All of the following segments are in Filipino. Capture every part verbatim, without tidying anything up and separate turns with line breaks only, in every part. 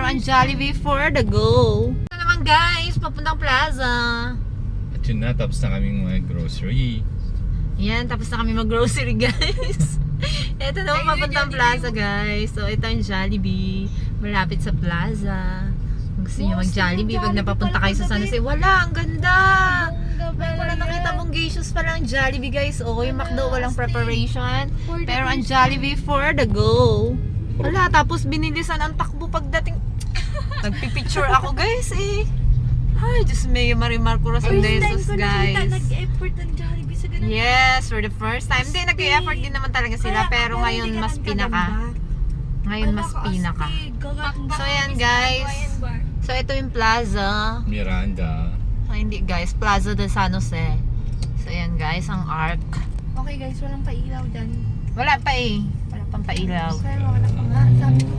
ang Jollibee for the go. Ito naman guys, papuntang plaza.
At yun na, tapos na kaming mga grocery.
Yan, tapos na kami mag-grocery guys. Ito naman papuntang plaza guys. So ito ang Jollibee. Malapit sa plaza. Kung gusto nyo mag-Jollibee, pag napapunta kayo sa San Jose, wala, ang ganda! Ay, wala nakita mong geishos pala ang Jollibee guys. Oo, yung McDo walang preparation. Pero ang Jollibee for the go. Wala, tapos binilisan ang takbo pagdating. Nagpipicture ako guys eh. Ay, Diyos may Marimar Corazon de Jesus guys.
Nag-effort ng Jollibee sa ganun.
Yes, for the first time. Hindi, nag-i-effort din naman talaga sila. Pero ngayon mas pinaka. Ngayon mas pinaka. So yan guys. So ito yung plaza.
Miranda.
Ay, hindi guys, Plaza de San Jose. So yan guys, ang arc.
Okay guys, walang pailaw dyan.
Wala pa eh. Wala pang pailaw.
Pero wala pa nga. Sabi ko,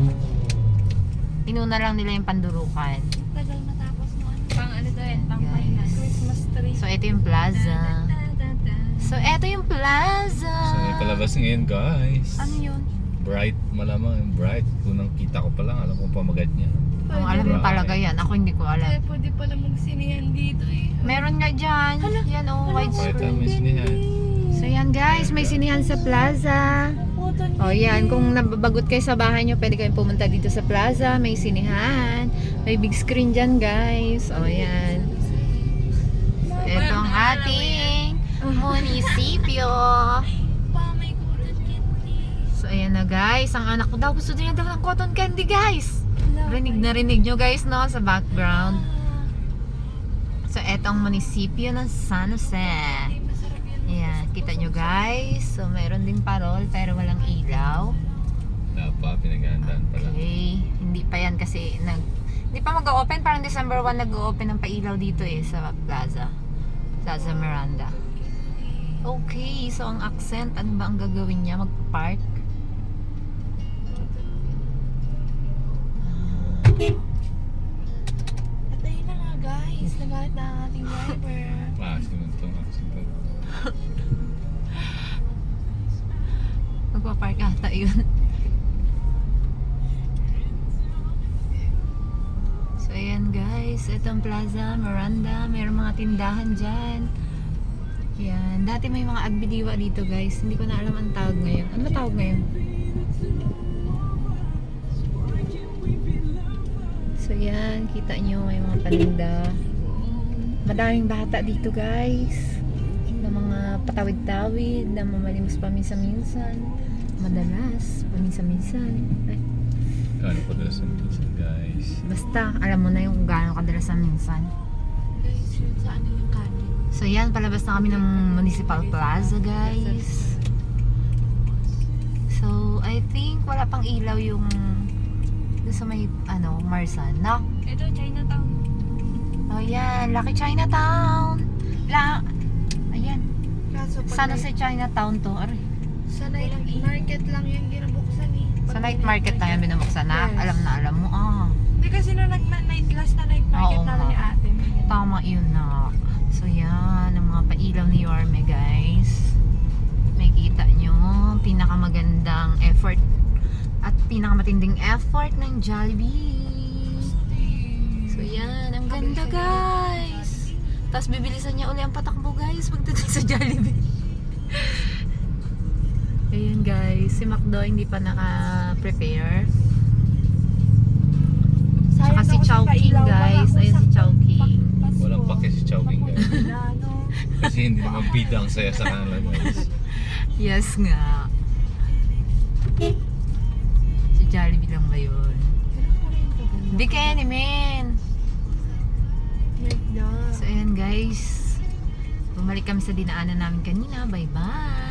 Inuna lang nila yung pandurukan.
tagal matapos mo. Ano?
Pang ano to yan, pang
Guys.
finance.
Christmas tree.
So ito yung plaza. So ito yung plaza.
So may palabas ngayon guys.
Ano yun?
Bright, malamang yung bright. Kunang kita ko pa lang, alam kong pamagat niya.
Ang alam mo talaga yan. Ako hindi ko
Kaya
alam.
pwede pala magsinihan dito eh.
Meron nga dyan. Yan oh,
Bright
widescreen.
may sinihan.
So yan guys, may sinihan sa plaza. O yan, kung nababagot kayo sa bahay nyo, pwede kayong pumunta dito sa plaza. May sinihan. May big screen dyan guys. O yan. So ito ang ating munisipyo.
Pa, may cotton candy.
So ayan na guys, ang anak ko daw gusto niya daw ng cotton candy guys. Rinig na rinig nyo guys no sa background. So eto ang munisipyo ng San Jose.
Ay, masarap yan.
Ayan, kita nyo guys. So meron din parol pero walang ilaw.
Wala pa, pinaghandaan pala.
Okay, hindi pa yan kasi nag hindi pa mag-open, parang December first nag-open ng pailaw dito eh sa plaza. Plaza Miranda. Okay, so ang accent, ano ba ang gagawin niya? Mag-park?
At ayun na nga guys, nagalit na ang ating driver.
Maasin mo ito, maasin ito.
Magpa-park ata yun. So ayan guys, itong Plaza Miranda, mayroong mga tindahan dyan. Yan, dati may mga agbidiwa dito guys, hindi ko na alam ang tawag ngayon. Ano ba tawag ngayon? So yan, kita nyo may mga paninda. Madaming bata dito guys. Na mga patawid-tawid, na mamalimos paminsan-minsan. Madalas, paminsan-minsan. Ay,
Kano ko dala sa minsan guys.
basta, alam mo na yung kung gaano kadalasan minsan.
Guys, yun sa ano yung kanin.
So yan, palabas na kami ng Municipal Plaza guys. So, I think wala pang ilaw yung doon sa may, ano, Marsan, no?
Ito, Chinatown.
Oh yan, Lucky Chinatown. La, ayan.
Kaso pag
Sana
night-
sa Chinatown to. Aray.
sa night market lang yung ginabuksan eh. Pag
Sa
may
night market na yan binubuksan na.
Yes.
Alam na alam mo, ah.
Hindi kasi nung nag night last na night market
Oo
namin
nga.
ni ate. may ganun.
Tama yun na. So yan, ang mga pailaw ni Yorme guys. May kita nyo, pinakamagandang effort at pinakamatinding effort ng Jollibee. So yan, ang ganda guys. Tapos bibilisan niya uli ang patakbo guys pagdating sa Jollibee. Ayan guys, si McDo hindi pa naka-prepare. Tsaka
Sayang
si
ako sa
Chowking
pailaw,
guys.
baka
Ayun si
usap-
Chowking.
pak- Pasko.
Walang pake si Chowking guys.
Wala, no?
Kasi hindi naman bida ang saya sa kanila guys.
Yes nga. Si Jollibee lang ba yun? Hindi kaya ni men.
Wait na.
So ayan guys. Bumalik kami sa dinaanan namin kanina. Bye bye.